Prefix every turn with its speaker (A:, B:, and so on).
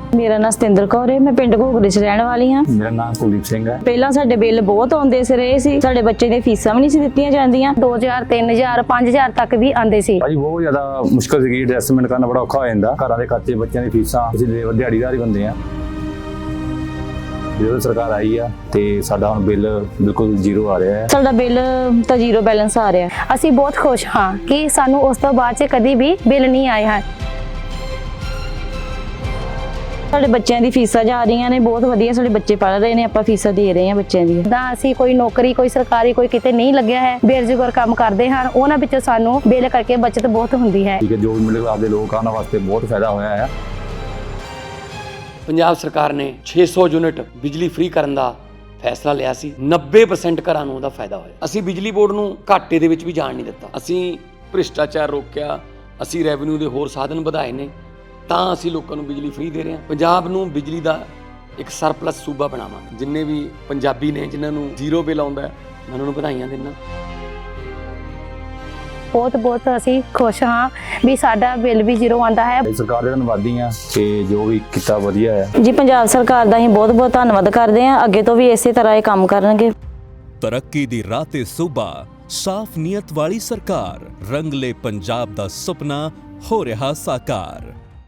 A: ਮੇਰਾ ਨਾਮ ਸਤਿੰਦਰ ਕੌਰ ਹੈ। ਮੈਂ ਪਿੰਡ ਘੋਗਰੇ 'ਚ ਰਹਿਣ ਵਾਲੀ ਹਾਂ।
B: ਮੇਰਾ ਨਾਮ ਕੁਲਦੀਪ ਸਿੰਘ ਹੈ।
A: ਪਹਿਲਾਂ ਸਾਡੇ ਬਿੱਲ ਬਹੁਤ ਆਉਂਦੇ ਸੀ। ਸਾਡੇ ਬੱਚੇ ਦੀਆਂ ਫੀਸਾਂ ਵੀ ਨਹੀਂ ਸੀ ਦਿੱਤੀਆਂ ਜਾਂਦੀਆਂ।
C: 2000 3000 5000 ਤੱਕ ਵੀ ਆਉਂਦੇ ਸੀ।
B: ਭਾਜੀ ਬਹੁਤ ਜ਼ਿਆਦਾ ਮੁਸ਼ਕਲ ਸੀਗੀ, ਐਡਜਸਟਮੈਂਟ ਕਰਨਾ ਬੜਾ ਔਖਾ ਹੋ ਜਾਂਦਾ। ਘਰਾਂ ਦੇ ਖਰਚੇ, ਬੱਚਿਆਂ ਦੀ ਫੀਸਾਂ, ਅਸੀਂ ਦਿਹਾੜੀਦਾਰ ਹੀ ਬੰਦੇ ਆ। ਜਦੋਂ ਸਰਕਾਰ ਆਈ ਆ ਤੇ ਸਾਡਾ ਹੁਣ ਬਿੱਲ ਬਿਲਕੁਲ ਜ਼ੀਰੋ ਆ ਰਿਹਾ ਹੈ।
A: ਸਾਡਾ ਬਿੱਲ ਤਾਂ ਜ਼ੀਰੋ ਬੈਲੈਂਸ ਆ ਰਿਹਾ।
C: ਅਸੀਂ ਬਹੁਤ ਖੁਸ਼ ਹਾਂ ਕਿ ਸਾਨੂੰ ਉਸ ਤੋਂ ਬਾਅਦ 'ਚ ਕਦੀ ਵੀ ਬਿੱਲ ਨਹੀਂ ਆਏ ਹਨ।
A: ਸਾਡੇ ਬੱਚਿਆਂ ਦੀ ਫੀਸਾਂ ਜਾ ਰਹੀਆਂ ਨੇ, ਬਹੁਤ ਵਧੀਆ ਸਾਡੇ ਬੱਚੇ ਪੜ੍ਹ ਰਹੇ ਨੇ, ਆਪਾਂ ਫੀਸਾਂ ਦੇ ਰਹੇ ਹਾਂ ਬੱਚਿਆਂ ਦੀਆਂ।
C: ਤਾਂ ਅਸੀਂ ਕੋਈ ਨੌਕਰੀ, ਕੋਈ ਸਰਕਾਰੀ, ਕੋਈ ਕਿਤੇ ਨਹੀਂ ਲੱਗਿਆ ਹੈ, ਬੇਰੁਜ਼ਗਾਰ ਕੰਮ ਕਰਦੇ ਹਨ, ਉਹਨਾਂ ਵਿੱਚੋਂ ਸਾਨੂੰ ਬਿੱਲ ਕਰਕੇ ਬਚਤ ਬਹੁਤ ਹੁੰਦੀ ਹੈ।
B: ਠੀਕ ਹੈ, ਜੋ ਵੀ ਮਿਲੇ ਆਪਦੇ ਲੋਕਾਂ ਵਾਸਤੇ ਬਹੁਤ ਫਾਇਦਾ ਹੋਇਆ ਹੈ।
D: ਪੰਜਾਬ ਸਰਕਾਰ ਨੇ 600 ਯੂਨਿਟ ਬਿਜਲੀ ਫ੍ਰੀ ਕਰਨ ਦਾ ਫੈਸਲਾ ਲਿਆ ਸੀ। 90% ਘਰਾਂ ਨੂੰ ਉਹਦਾ ਫਾਇਦਾ ਹੋਇਆ। ਅਸੀਂ ਬਿਜਲੀ ਬੋਰਡ ਨੂੰ ਘਾਟੇ ਦੇ ਵਿੱਚ ਵੀ ਜਾਣ ਨਹੀਂ ਦਿੱਤਾ। ਅਸੀਂ ਭ੍ਰਿਸ਼ਟਾਚਾਰ ਰੋਕਿਆ, ਅਸੀਂ ਰੈਵਨਿਊ ਦੇ ਹੋਰ ਸਾਧਨ ਵਧਾਏ ਨੇ, ਤਾਂ ਅਸੀਂ ਲੋਕਾਂ ਨੂੰ ਬਿਜਲੀ ਫ੍ਰੀ ਦੇ ਰਹੇ ਹਾਂ। ਪੰਜਾਬ ਨੂੰ ਬਿਜਲੀ ਦਾ ਇੱਕ ਸਰਪਲਸ ਸੂਬਾ ਬਣਾਵਾਂਗੇ। ਜਿੰਨੇ ਵੀ ਪੰਜਾਬੀ ਨੇ ਜਿਨ੍ਹਾਂ ਨੂੰ ਜ਼ੀਰੋ ਬਿੱਲ ਆਉਂਦਾ, ਮੈਂ ਉਹਨਾਂ ਨੂੰ ਵਧਾਈਆਂ ਦਿੰਦਾ।
C: ਬਹੁਤ ਅਸੀਂ ਖੁਸ਼ ਹਾਂ ਵੀ ਸਾਡਾ ਬਿੱਲ ਵੀ ਜ਼ੀਰੋ ਆਉਂਦਾ ਹੈ।
B: ਸਰਕਾਰ ਦੇ ਧੰਨਵਾਦੀ ਆ ਕਿ ਜੋ ਵੀ ਕੀਤਾ ਵਧੀਆ ਹੈ।
A: ਜੀ ਪੰਜਾਬ ਸਰਕਾਰ ਦਾ ਅਸੀਂ ਬਹੁਤ ਧੰਨਵਾਦ ਕਰਦੇ ਹਾਂ। ਅੱਗੇ ਤੋਂ ਵੀ ਇਸੇ ਤਰ੍ਹਾਂ ਇਹ ਕੰਮ ਕਰਨਗੇ।
E: ਤਰੱਕੀ ਦੀ ਰਾਹ ਤੇ ਸੂਬਾ, ਸਾਫ਼ ਨੀਅਤ ਵਾਲੀ ਸਰਕਾਰ, ਰੰਗਲੇ ਪੰਜਾਬ ਦਾ ਸੁਪਨਾ ਹੋ ਰਿਹਾ ਸਾਕਾਰ।